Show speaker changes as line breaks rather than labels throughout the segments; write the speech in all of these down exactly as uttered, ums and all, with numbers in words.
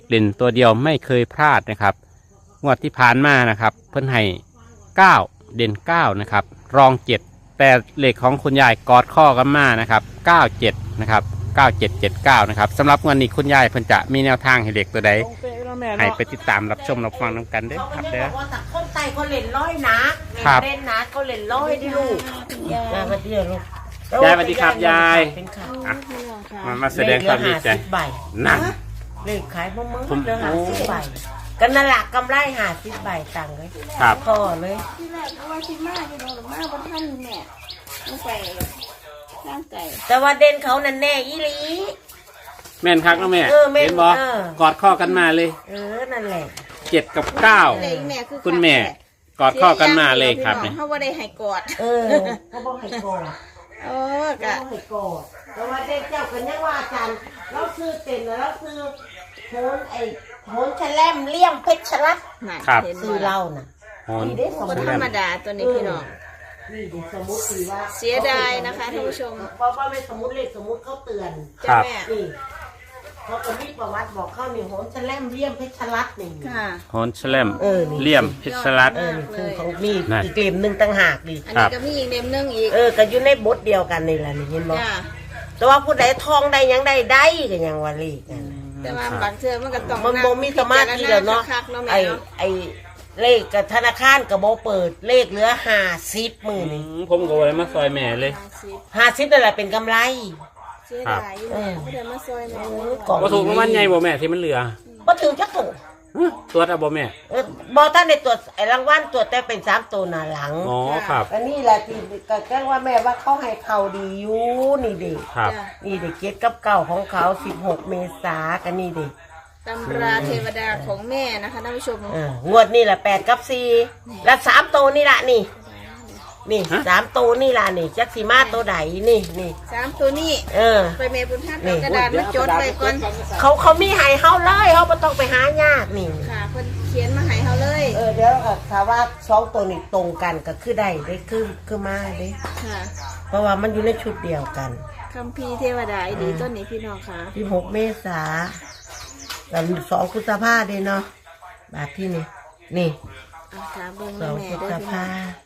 เด่นตัวเดียวไม่เคยพลาดนะครับงวดที่ผ่านมานะครับเพิ่นให้เก้าเด่นเก้านะครับรองเจ็ดแต่เลขของคุณยายกอดข้อกันมานะครับเก้าเจ็ดนะครับเก้าเจ็ดเจ็ดเก้านะครับสำหรับวันนี้คุณยายเพิ่นจะมีแนวทางให้เลขตัวใดให้ไปติดตามรับชมรับฟังน้ำกันเด้อครับเด้อ
บอกว่าแต่คนไตเขาเล่นร้อยนะครับเล่นนะเขาเล่นร้อยดิลูกยายมาเดียวลูก
ยายสวัสดีครับยายมามาแสดงความดีใจนั่น
เลขขายมะม่วงเดือนหาสิบใบกันนั่นแหละกำไรหาสิบใบตังเลย
ครับ
ก็เลย
ที่แรกว่าที่มาที่โดนมาบนท่านแม่ต้องไปร่างไก่
แต่ว่าเด่นเขานั่นแน่อีหลี
แม่นครับน้องแม่เห็นบอกกอดข้อกันมาเลย
เออนั่นแหละ
เจ็ดกับเก้าคุณแม่กอดข้อกันมาเลยครับเนี่ย
เขาว่าได้ให้กอด
เออเขาบอกให้กอด
เออกะ
ให้กอดแต่ว่าเด็กเจ้ากันยังว่าอาจารย์เราซื้อเต็มแล้วซื้อโหนไอ้โหนแฉลมเลี่ยมเพชรรัตน์ซื้อเล่าน่ะ
นี่
ได้สมธรรมดาตัวนี้พี่น้อง
นี่ดิสมมุติว่า
เสียดายนะคะท่านผู้ชม
เพราะว่าไม่สมมุติเลขสมมุติเขาเตือน
จ้าแม่
นี่เขาก็มีประวัติบอกเข้านี่โหนแฉลมเลี่ยมเพชรรัตน์นี่
ค่ะ
โหนแฉลมเลี่ยมเพชรรัตน์
เออคือเขามีอีกเล่มหนึ่งต่างหากดิ
อันนี้ก็มีอีกเล่มหนึ่งอีก
เออก็อยู่ในบทเดียวกันนี่แหละนี่เห็นบ่แต่ว่าผู้ใดทองได้ยังได้ได้ก็ยังว่าเลขนั่น
แต่ว่าบางเทื่อมันก็ต้อง
มันบ่มีสมาธิแล้วเนาะไอ้ไอ้เลขกับธนาคารกับบ่เปิดเลขเหลือห้าสิบหมื่น
ผมก็เลยมาซอยแม่เลย
ห้าสิบนั่นแหละเป็นกำไร
เสียดายเออผู้ใดมาซอยแม่
ก็ถูกมันใหญ่บ่แม่ที่มันเหลือ
บ่ถึงจักตัว
ตัวอะบ่แม่
เออบ่ท่านในตัวไอ้รางวัลตัวแต่เป็นสามตัวหน้าหลัง
อ๋อครับ
อันนี้แหละที่ก็แจ้งว่าแม่ว่าเขาให้เขาดีอยู่นี่ดิ
ครับ
นี่ดิเก็ตกับเก่าของเขาสิบหกเมษากันนี่ดิ
ตำราเทวดาของแม่นะคะท่านผู้ชม
งวดนี่แหละแปดกับสี่และสามตัวนี่แหละนี่นี่สามตัวนี่ล่ะนี่จักสีมาตัวใดนี่นี่
สามตัวนี่
เออ
ไปเมย์บุญท่านเอากระดาษมาจดไว้ก่อน
เขาเขามีให้เขาเลยเขาไม่ต้องไปหายากนี่
ค่ะคนเขียนมาให้เขาเลย
เออเดี๋ยวถ้าว่าสองตัวนี่ตรงกันก็คือได้ได้คือคือมาได้
ค่ะ
เพราะว่ามันอยู่ในชุดเดียวกัน
คัมภีร์เทวดาดีต้นนี้พี่น้องค่ะ
ที่หกเมษาแต่สองกุศภาเด้เนาะบาทที่นี่นี่
สอง
กุศภา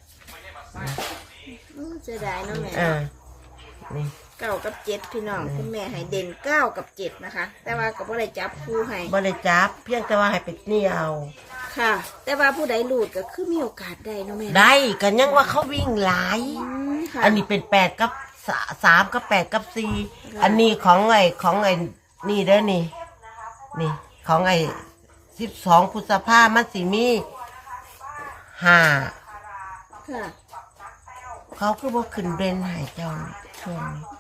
เสียดายเนาะแม่
อ่านี่
เก้ากับเจ็ดพี่น้องคุณแม่ให้เด่นเก้ากับเจ็ดนะคะแต่ว่ากับบ่ได้จับคู่ให้
บ่ได้จับเพียงแต่ว่าให้เป็ดนี่เอา
ค่ะแต่ว่าผู้ใดหลุดก็คือมีโอกาสได้เนาะแม่
ได้กันยังว่าเขาวิ่งหลายอันนี้เป็นแปดกับสามกับแปดกับสี่อันนี้ของไอ้ของไอ้นี่เด้อนี่นี่ของไอ้สิบสองพฤษภามันสิมีห้า
ค่ะ
เขาคือว่าขึ้นเบนหายเจ้าช่วงนี้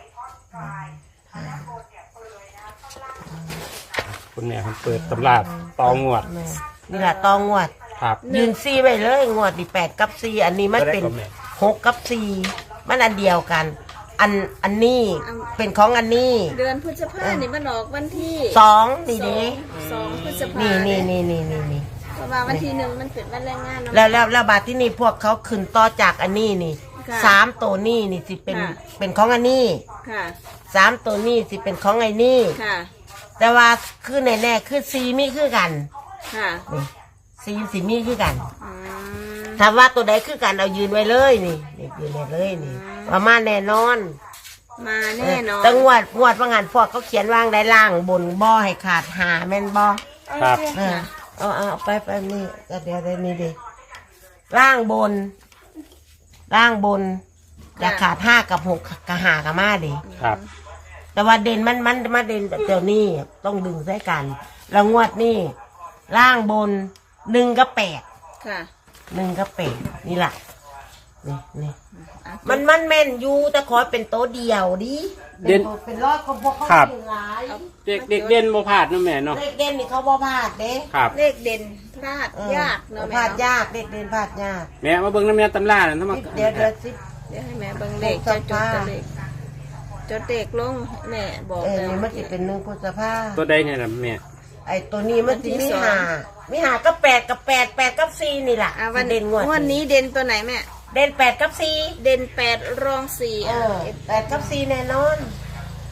คุณเนี่ยเปิดตำราตองวด
นี่แหละตองวด
ครับ
ยืนซีไปเลยงวดดีแปดกับสี่อันนี้มันเป็นหกกับสี่มันอันเดียวกันอันอันนี้เป็นของอันนี้
เดือนพฤษภาคมนี่มันออกวันที่
สองนี่เด้
สองพฤษภา
นี่นี่นี่นี่นี่นี่
ประมาณวันที่หนึ่งมันเป็นวันแรงงาน
แล้วแล้วแล้วบาทที่นี่พวกเขาขึ้นต่อจากอันนี้นี่สามตัวนี่นี่สิเป็นเป็นของอันนี้สามตัวนี่สิเป็นของไอ้นี่แต่ว่าคือแน่แน่คือซีมีคือกันนี่ซีซีมีคือกันถามว่าตัวใดคือกันเอายืนไว้เลยนี่นี่ยืนไว้เลยนี่ประมาณแน่นอน
มาแน่นอน
ตั้งงวดงวดว่างานพวกเขาเขียนวางได้ล่างบนบ่อให้ขาดหาแม่นบ่
ครับ
เอาเอาไปไปนี่ก็เดี๋ยวได้นี่ดิล่างบนล่างบนจะขาดห้ากับหกกับหากับมาดิ
ครับ
แต่ว่าเด่นมันมันมาเด่นเดี๋ยวนี้ต้องดึงใส่กันแล้วงวดนี่ล่างบนหนึ่งกับแปด
ค่ะ
หนึ่งกับแปดนี่แหละนี่นี่มันมันแม่นอยู่แต่ขอเป็นโต๊ะเดียวดิ
เด่น
เป็นรอดของพวกเขาเป็นหลาย
เด็กเด็กเด่นบ่พลาดนะแม่เนาะ
เลขเด่นนี่เขาบ่พลาดเด้
ครับ
เลขเด่นพลาดยากเนาะ
พลาดยากเลขเด่นพลาดยาก
แม่มาเบิ่งน้ำแม่ตำราน่ะทำไม
เดี๋ยวเดี๋ยวสิ
เดี๋ยวให้แม่เบิ่งเลขจะจดเลขจดเลขลงแม่บอก
เออนี่มันจะเป็นหนึ่งพฤษภา
ตัวใดเนี่ยล่ะแม่
ไอ้ตัวนี้มันจะมีหามีหาก็แปดกับแปดแปดกับสี่นี่แหละ
วันเด่นงวดวันนี้เด่นตัวไหนแม่
เด่นแปดกับสี่
เด่นแปดรองสี่
เออแปดกับสี่แน่นอน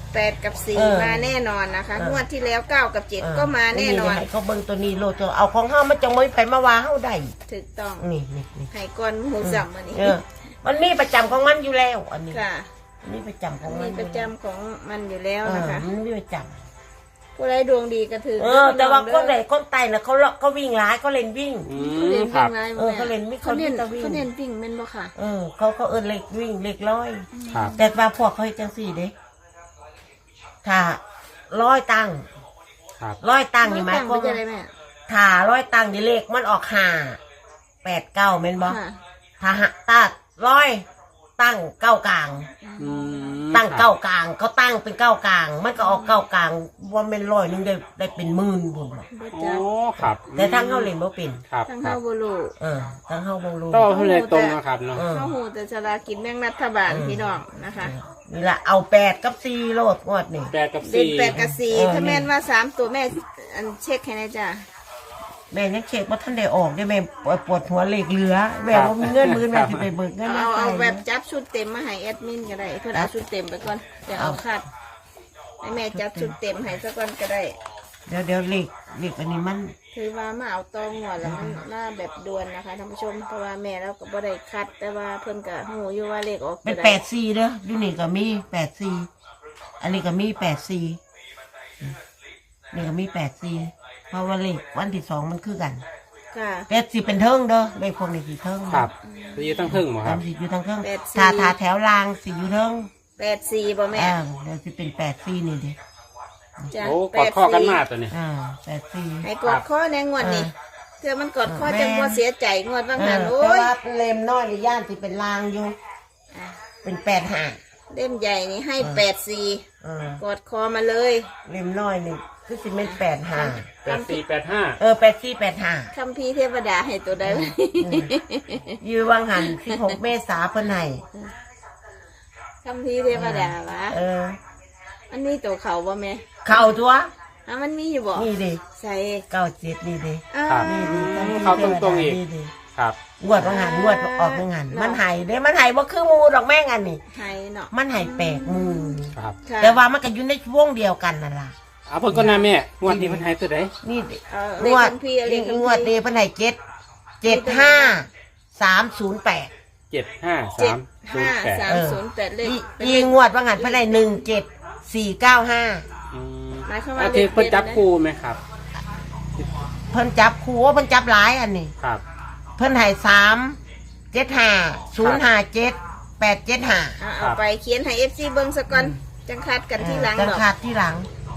แปดกับสี่
เออ
มาแน่นอนนะคะ
เออ
งวดที่แล้วเก้ากับเจ็ดก็มาแน่นอน
ให้เขาเบิ่งตัวนี้โลดตัวเอาของเฮามันจังไม่ไปมาว่าเฮาได้
ถูกต้อง
นี่นี่นี่
ไห้ก้อนหมูสับวันนี้
เออมันมีประจำของมันอยู่แล้ว อันนี้
ค่ะ
มันมีประจำของมั
มี
น
ประจำของมันอยู่แล้ว
เออ
นะคะ
มันมีประจ
ผู้ใดดวงดีก็ถือ
ำเออ แต่ว่าคนไหนคนไตน่ะเขาเขาวิ่งร้ายเขาเล่นวิ่ง
อื
เขา
ม
เล่น
ครั
วิ่
บ
งไง
เออเขาเล่นไม่
เขาเน้น
เขาวิ่ง
เขาเน้นวิ่งแม่นบ่ค่ะ
เออเขาเขาเอินเล็กวิ่งเล็กร้อย
ครับ
แต่ว่าพวกเขาเฮ็ดจังสี่เด้ถ้าร้อยตังค์
ครับ
ร้อยตังค์นี่หมาย
ตั้ง
ควา
ไว้
ม
จะ
ว่า
ได้แม่
ถ้าร้อยตังค์นี่เลขมันออกห้าแปดเก้าแม่นบ่
ค่ะ
ถ้าหะตาร้อยตั้งเก้ากลาง
อืม
ตั้งเก้ากลางเขาตั้งเป็นเก้ากลาง มันก็ออกเก้ากลางว่าเป็นร้อยหนึงได้ได้เป็นหมื่นบุญบ่
บ่
โอ้
จัก
ครับ
แต่ทั้งเฮาเล่นบ่เป็น
ครับ
ทั้ง
ครั
เฮา
บ
บ่รู้
เออทั้งเฮาบ่รู้
ต้องให้เลยตรงนะครับเนาะ
เออ
เฮาฮู้แต่สลากกินแบ่งรัฐบาลพี่น้องนะคะ
นี่ล่ะเอาแปดกับสี่โลดงวดนี่
แปดกับ
เด่น
สี่
แปดกับสี่
เออ
ถ้าแม่นว่าสามตัวแม่อันเช็คให้หนะจ้ะ
แม่ยังเช็คว่าท่านได้ออกได้แม่ปวดปวดหัวเหล็กเหลือแม่ว่ามีเงินมือแม่สิไปเบิกเงินมา
เอา
ใส่
เอาแบบจับชุดเต็มมาให้แอดมินก็ได้เพื่อนเอาชุดเต็มไปก่อนเดี๋ยวเอาคัดให้แม่จับชุดเต็มให้ซะก่อนก็ได้
เดี๋ยวเดี๋ยวเหล็กเหล็กอันนี้มัน
ถือว่ามาเอาตองหัวแล้วมันมาแบบด่วนนะคะท่านผู้ชมเพราะว่าแม่เราก็บ่ได้คัด แต่ว่าเพิ่นก็หูอยู่ว่าเลขออก
เป็น
ตัวใ
แปดสี่เด้ออยู่นี่ก็มีแปดสี่อันนี้ก็มีแปดสี่นี่ก็มีแปดสี่เพราะว่าเลขวันที่สองมันคือกัน
ค่ะ
แปดสี่เป็นเทิงเด้อเลขพวกนี้สี่เทิง
ครับจะอยู่ตั้งครึ่งหมอค
ตา
รั
ม
บ
สี่อยู่ทางเทิง
แปดสี่
ถ้าถ้าแถวรางสี่อยู่เทิง
แปดสี่บ่แม่
อ่าเดี๋ยวจะเป็นแปดสี่นี่เด้
จ้ะ
โอ้ก
แป
อด
ด
ข้อกัน
สี่
มาตัวนี้
อ่าแปดสี่
ให้กดข้อในงวดนี้
เออ
เพื่อมันกดข้อ
แม่
จังบ่เสียใจงวดบาง
เอ
หั
อน
โอ้
แต่
ย
ว่าเล่มน้อยในย่านที่เป็นรางอยู่
อ่ะ
เป็นแปดห้า
เล่มใหญ่นี่ให้
เออ
แปดสี่
เออก
ดคอมาเลย
เล่มน้อยนี่คือสิเป็นแปดห้า
แปดสี่แปดห้า
เออแปดสี่แปดห้า
คัมภีร์เทวดาให้ตัวใด
ยือวังหันสิบหกเมษาเพิ่นให้
คัมภีร์เทวดาวะ
เออ
อันนี้ตัวเขาบ่แม่
เข้าตัว
อ่ะมันมีอยู่บ่
นี่ดิ
ใส่
เก้าเจ็ดนี่ดิ
อ่า
ครับ
นี่ดิ
เข้าตรงๆอีก
นี่ดิ
ครับ
งวดวังหันงวดออกวังหันมันให้เด้มันให้บ่คือหมูดอกแม่งอันนี่
ไทยเนาะ
มันให้แปลกหมู
ครับ
ค่ะ
แต่ว่ามันก็อยู่ในวงเดียวกันนั่นล่ะ
เอาเพิ่นก็น่าแม่งวดนี้เพิ่นให้ตัวใด
นี่ดิ
เออง เลข
วด
คัมภีร์เลขคัม
งวด
ภี
นี้
ร์
เพิ่นให้เจ็ดเจ็ดห้าสามศูนย์แปด
เจ็ดห้า
เจ็
สา
ด
มศูน
ห้า
ย์แปด
สามศูนย์แปดเลขเป็น
ยี
เลข
งวดว่างันเพิ่นได้หนึ่งเจ็ดสี่เก้าห้า
อืม
หมายความว่า
อาทิตย์เพิ่นจับคู่ไหมครับ
เพิ่นจับคู่ว่าเพิ่นจับหลายอันนี้
ครับ
เพิ่นให้สามเจ็ดห้าศูนย์ห้าเจ็ดแปดเจ็ดห้า
อ่ะเอาไปเขียนให้ เอฟ ซี เบิ่งซะก่อนจังคัดกันที่หลัง
จัง
ดอก
ขาดที่หลัง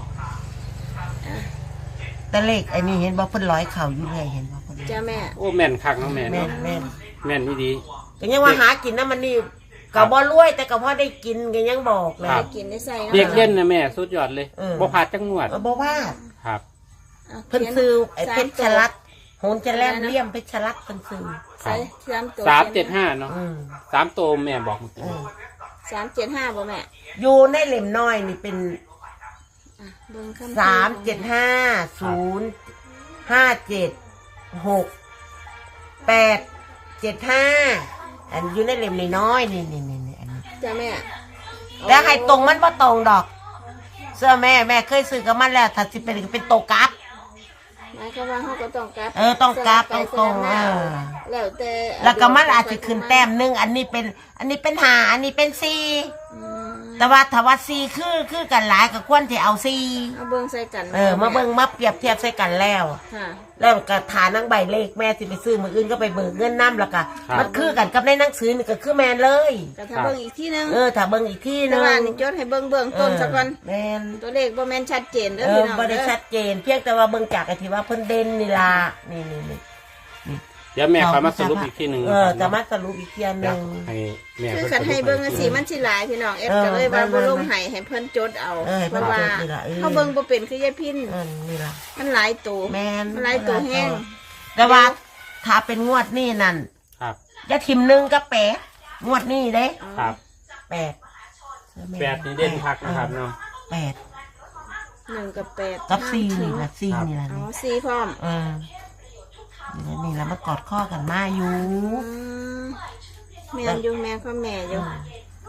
แต่เลขไอ้นี่เห็นบ่เพิ่นร้อยเข่าอยู่เรื่อยเห็นบ่เพิ่น
จ้าแม่
โอ้แม่นคักเน้องแม่
แม่
เนาะ
นแม่น
แม่นนี่ดี
ก็ยังว่าหากินน้ำมันนี่ก็บ่รวยแต่ก็พอได้กินก็ยังบอกเลย
ครั
ได้
บ
กินได้ใส่เนาะ
เรียกเล่นนะแม่สุดยอดเลย
เออ
บ่พลาดจังงวด
เออบ่ว่า
ครับ
อ่ะ
เพิ่นซื้อไอ้
สา
เพ
ม
ชรชลัดโหนจะแลมเลี่ยมเพชรชลัดเพิ่นซื้อ
ใส่สามตัว
สามเจ็ดห้าเนาะ
อืม
สามโตวแม่บอกเมื่อกี้
อืม
สามเจ็ดห้าบ่แม่
อยู่ในเล่มน้อยนี่เป็น
อ่ะเบิ่งคำภีร์
สามเจ็ดห้าศูนย์ห้าเจ็ดหกแปดเจ็ดห้าอันอยู่ในเล่มน้อยๆนี่นี่นี่นี่อันนี้
จ้าแม่
แล้วให้ตรงมันว่าตรงดอก เสื้อแม่แม่เคยซื้อกับมันแล้วถ้าสิเป็นเป็นโตกราฟ
หมายความว่าเขาก็ต้องกลับ
เออต้องกลับ
สลัไป
ตรงๆ
สลับมา
เออ
แล้วแต่
แล้วก็มันอาจจะขึ้นแต้มหนึ่งอันนี้เป็น อันนี้เป็นหาอันนี้เป็นสี่
อืม
แต่ว่าถ้าว่าสี่คือคือกันหลายก็ควรที่เอาสี่
เอาเบิ่งใส่กัน
เออมาเบิ่งมาเปรียบเทียบใส่กันแล้ว
ค่ะ
แล้วก็ฐานนังใบเลขแม่สิไปซื้อมืออื่นก็ไปเบิกเงินน้ำแล้วก็มันคือกันกับในหนังสือนี่ก็คือแมนเลย
ก็ถ้าเบิ่งอีกที่นึง
เออถ้าเบิ่งอีกที่ห
แต่
นึง
ว่านี่จดให้เบิ่งเบื้องต้นซะก่อน
แมน
ตัวเลขบ่แม่นชัดเจนเด้อ
เออ
พี่น้อง
บ่ได้
เด้อ
ชัดเจน เพียงแต่ว่าเบิ่งจากไอ้ที่ว่าเพิ่นเด่นนี่ล่ะนี่นี่นี่
เดี๋ยวแม่คอยมาสรุปอีกทีหนึ่ง
เออ
นะค
จะ
รับ
มาสรุปอีกทีห
เดี๋
นึ
ยว
ง
ให้แม่
คือ
เพิ่น
คันให้เบิ่งจังซี่
สรุป
มันสิหลายพี่น้องเอ็ด
เออ
ก็เลยว่า
มัน
บ่
มัน
ลงให้ให้เพิ่นจดเอา
เออให้
เพ
เพิ่น
ราะว่า
จดนี่ล่ะเออ
เขาเบิ่งบ่เป็นคือยายพิน
เออนี่ล่ะ
มันหลายตัว
แมน
มันหลายตัวแห้ง
แต่ว่าถ้าเป็นงวดนี่นั่น
ครับ
จะทิมหนึ่งก็แปดงวดนี่เด้
ครับ
แปด
แปดนี่เด่นพักนะครับเนาะ
แปด
หนึ่งกับแปด
กับสี่นี่ล่ะสี่นี่ล่ะ
อ๋อ
นี่
สี่พร้อม
เออนี่ล่ะนี่แล้วมากอดข้อกันมาอยู่
อืมแม่นอยู่แม่ก็แม่อยู่
เ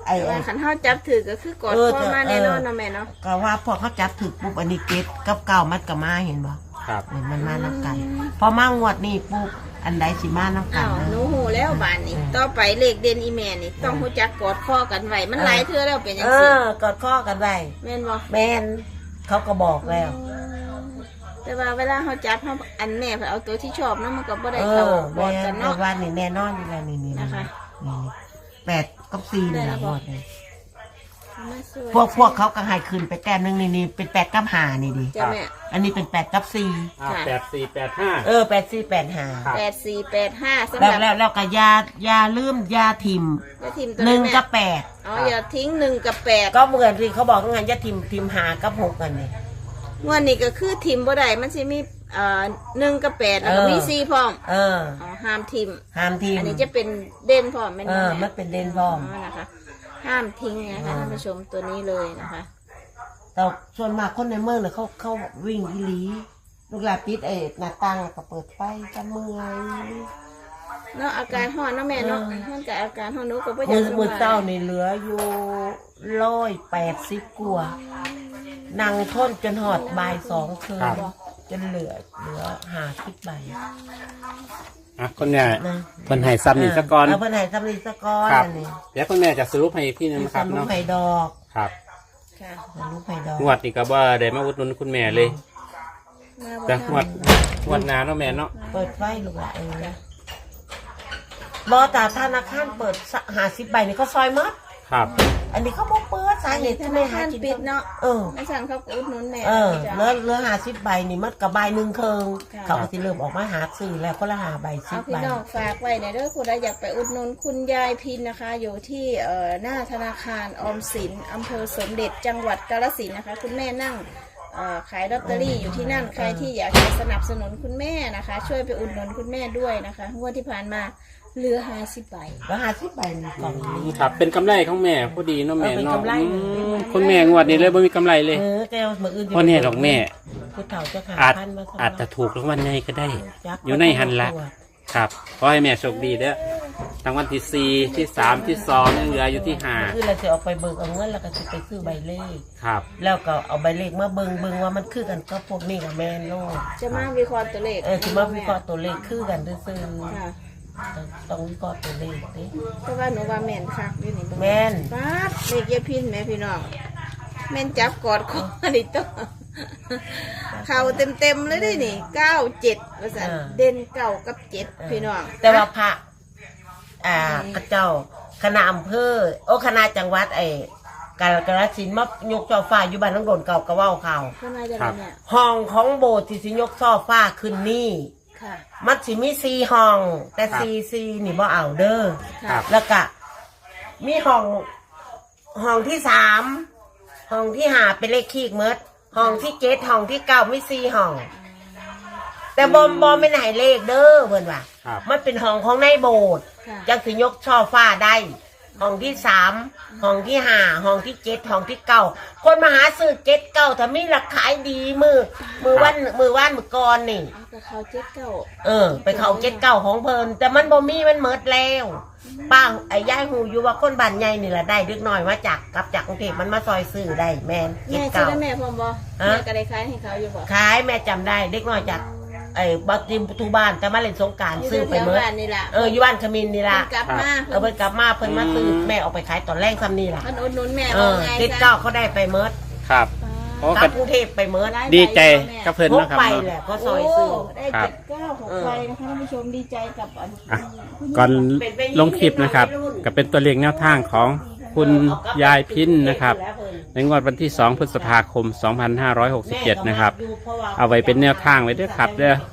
ไอ้
แต่
ไอ้
ว่าขันเท้าจับถือก็คือกอด
เออ
พ่อมา
เออ
แน่นอนเนาะแม่เนาะ
ก็ว่าพอเขาจับถึกปุ๊บอันนี้เก็ดกับเก่ามัดกับมาเห็นบ่
ครับ
เห็นมันมานับกัน พอมางวดนี่ปุ๊บอันใดสิมานับกั
อ้าน ว
นะ
หนูหูแล้วบานนี่ต่อไปเลขเด่นอีแม่นี่ต้องรู้จักกอดข้อกันไว้มันหลายเทื่อแล้วเป็นจัง
เอ
ซี่
อกอดข้อกันไว้
แม่นบ่
แม่นเขาก็บอกแล้ว
แต่ว่าเวลาเขาจับเขาอันแม่เพิ่นเอาตัวที่ชอบเนาะมันก็บ่ได้
เอ
เข้า
อก
อ
แม่
ดกัน
น
เนาะ
ว่านี่แน่นอนนี่แหละนี่นี่
นะคะ
นี่แปดกับสี่นี่แหละงวดนี่
มาสย
พวกพวกเขาก็ให้ขึ้นไปแต้มหนึงนี่นี่เป็นแปดกับห้านี่ดิ
จ้ะแม่
อันนี้เป็นแปดกับสี่
อ่า
ค่ะ
แปดสี่แปดห้า
เออแปดสี่แปดห้า
ครับ
แปดสี่แปดห้าสำห
แล้ว
รับ
แล้วแล้วก็ยายาลืมยาทิม
อย่าทิมตัว
หนึ่ง
แม่
กับแปด
อ๋ออย่าทิ้งหนึ่งกับแปด
ก็เหมือนที่เขาบอกงั้นยาทิมทิมหากับหกกันนี่
งวดนี้ก็คือทิมบ่ได้มันสิมีเอ่อหนึ่งกับแปดแล้วก็
เออ
มีสี่พร้อม
เออ
อ๋อห้ามทิม
ห้ามทิม
อันนี้จะเป็นเด่นพร้อมแม่น
เอ
บ่
อ
แม่
มันเป็นเดนพร้อม
อ๋อนะคะ ห้ามทิ้งนะคะ
อ่า
ท่านผู้ชมตัวนี้เลยนะคะ
แต่ส่วนมากคนในเมืองเนี่ยเขาเขาวิ่งอีหลีลูกหลานปิดไอ้หน้าต่างแล้วก็เปิดไฟจะเมื่อย
เนาะอาการห่อนเนาะแม่เนาะ
เออ
มันกับอาการห่อนหนูก็บ่อยา
มื
ก
อ
ส
มือ
บาย
เต้านี่เหลืออยู่ร้อยแปดสิบกว่านั่งทนจนหอดบ่ายสองคืน
ครับ
จนเหลือเหลือหาสิบใบ
อ่ะคุณแม่
นะ
เพิ่นให้ซ้ำนี่สะก่อน
เอาเพิ่นให้ซ้ำนี่สะก้อน
ครับ
อันนี้
เดี๋ยวคุณแม่จะสรุปให้อีกทีหนึงนะครับ
ลูก
เนาะ
ไผ่ดอก
ครับ
ค่ะ
ลูกไผ่ดอก
งวดนี่ก็บ่ได้มาอุดหนุนคุณแม่เลย
มาบ่
แต่งว
ทั
ด
น
งวดหน้าเนาะแม่เนาะ
เปิดไฟลูกหละเออรอแต่ธนาคารเปิดหาสิบใบนี่เขาซอยมัด
ครับ
อันนี้เขาบอกเปิดสาเหตุ
ธ
ที่ไม่
นา
หา
คาร
กิน
ปิดเนาะ
เออ
ไม่สั่นเขาก็อุดหนุนแม่
เออ
จ้ะ
เหลือเหลือหาสิบใบนี่มัดกับใบหนึ่งเคิง
ค่ะ
เขาก็สิเริ่มออกมาหาซื้อแล้วก็ละหาใบสิ
เอา
บ
พี่
ใบ
น้องฝากไว้ในเรื่องคุณอยากไปอุดหนุนคุณยายพินนะคะ อยู่ที่เอ่อหน้าธนาคารออมสินอำเภอสมเด็จจังหวัดกาฬสินธุ์นะคะ คุณแม่นั่งเอ่อขายลอตเตอรี่อยู่ที่นั่นใครที่อยากจะสนับสนุนคุณแม่นะคะ ช่วยไปอุดหนุนคุณแม่ด้วยนะคะงวดที่ผ่านมาเหลือห้าสิบใบ
แล้วหาสิบใบนี่กล่องนี้
ครับเป็นกำไรของแม่พอดีเนาะแม่
เออเป็น
เนาะ
กำไร
อืมคุณแม่งวดนี้เลยบ่มีกำไรเลย
เออแกเอามืออื่น
เพราะเนี่ยหรอกแม่
ผู้เฒ่าเจะขา
อาจ
พันมาสง
อาจจะถูกรางวัลใหญ่ก็ได้
จัก
อยู่ในหันละ ครับขอให้แม่โชคดีเด้อรางวัลที่สี่ที่สามที่สองยังเหลืออยู่ที่ห้า
คือเราจะเอาไปเบิกเอาเงินแล้วก็จะไปซื้อใบเลข
ครับ
แล้วก็เอาใบเลขมาเบิงเบิงว่ามันคือกันกับพวกนี้กับแมนโลก
จะมาวิเคราะห์ตัวเลข
เออถือว่าวิเคราะห์ตัวเลขคือกันซื่อ
ค่ะ
ๆต้องวิเคราะห์ตัวเลขดิ
เพราะว่าหนูว่าแม่นคักอยู่นี่
แม่น
ป้าดเลขยายพินแม่พี่น้องแม่นจับกอดคอดิโตเข่าเต็มเต็มๆเลยเด้นี่เก้าเจ็ดว่าสันเด่นเก้ากับเจ็ดพี่น้อง
แต่ว่าพระอ่ากระเจ้าคณะอำเภอโอ้คณะจังหวัดไอ้กาลกาฬสินธุ์มายกช่อฟ้าอยู่บ้านน้องโดนเก่ากระเว้าข่าว
ข้างในจะเป็นเนี่ย
ห้องของโบสถ์ที่สิยกช่อฟ้าขึ้นนี่
ค่ะ
มันสิมีสี่ห้อง แต่สี่สี่นี่บ่เอาเด้อ
ครับ
แล้วก็มีห้องห้องที่สามห้องที่ห้าเป็นเลขคีกเมดห้องที่เจ็ดห้องที่เก้ามีสี่ห้อง แต่บอมบอมไม่ไหนเลขเด้อเพื่อนว่า
ครับ
มันเป็นห้องของในโบสถ์
ค่ะ
จังสิยกช่อฟ้าได้ ห้องที่สามห้องที่ห้าห้องที่เจ็ดห้องที่เก้าคนมาหาซื้อเจ็ดเก้าถ้ามีราคายดีมือมือวันมือว่านมือก่อนนี่
เอากับเขาเจ็ดเก้า
เออ ไปเขาเจ็ดเก้าของเพลินแต่มันบ่มีมันเมิดแล้วป้าไอ้ย่ายหูอยู่ว่าคนบ้านใหญ่นี่แหละได้เล็กน้อยมาจากกลับจากกรุงเทพมันมาซอยซื้อได้แมนเจ็ด
แม่ซื้อ
เก้า
ได้แม่พร้อมบ่
ฮะ
แม่ก็ได้ขายให้เขาอยู่บ่
ขายแม่จำได้เล็กน้อยจากไอ้บักจิมทุบ้านแต่มาเล่นสงกราร
อยู่
ซื้อ
แถ
ไป
ว
เมิด
บ้านนี่ล่ะ
เอออยู่บ้านขมินนี่ล่ะ
เพิ่นกลับมา
เออเพิ่นกลับมาเพิ่นมาซื้อแม่ออกไปขายตอนแรกซ้ำนี่ล่ะ
เพิ่นอุดหนุนแม่
เอ
ว่า
อ
ไง
เจ็ดเก้าเขาได้ไปเมิด
ครับโอ้
ก
ก็
ลับกรุงเทพไปเมิด
ดีใจกับเพิ่น
พก
เนาะครับ
ไป
เนาะ
แหละเขาซ
โอ้
อยซื้อ
ได้
ครั
เจ็
บ
ดเก้าหกใบนะคะท่านผู้ชมดีใจกับอัน
อ่ะก่อนลงคลิปนะครับก็เป็นตัวเลขแนวทางของคุณยายพินนะครับ ในงวดวันที่สองพฤษภาคมสองพันห้าร้อยหกสิบเจ็ดนะครับ เอาไว้เป็นแนวทางไว้ด้วยครับเด้อ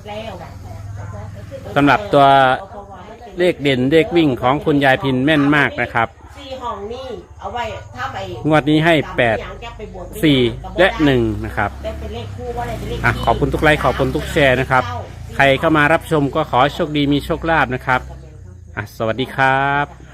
สำหรับตัวเลขเด่นเลขวิ่งของคุณยายพินแม่นมากนะครับ
สี่ห้องนี่เอาไว้ถ้าไป
งวดนี้ให้แปดสี่และหนึ่งนะครับ
ได้เป็นเลขคู่ว่าได้เป็นเลข
อ่ะขอบคุณทุกไลค์ขอบคุณทุกแชร์นะครับ ใครเข้ามารับชมก็ขอให้โชคดีมีโชคลาภนะครับอ่ะสวัสดีครับ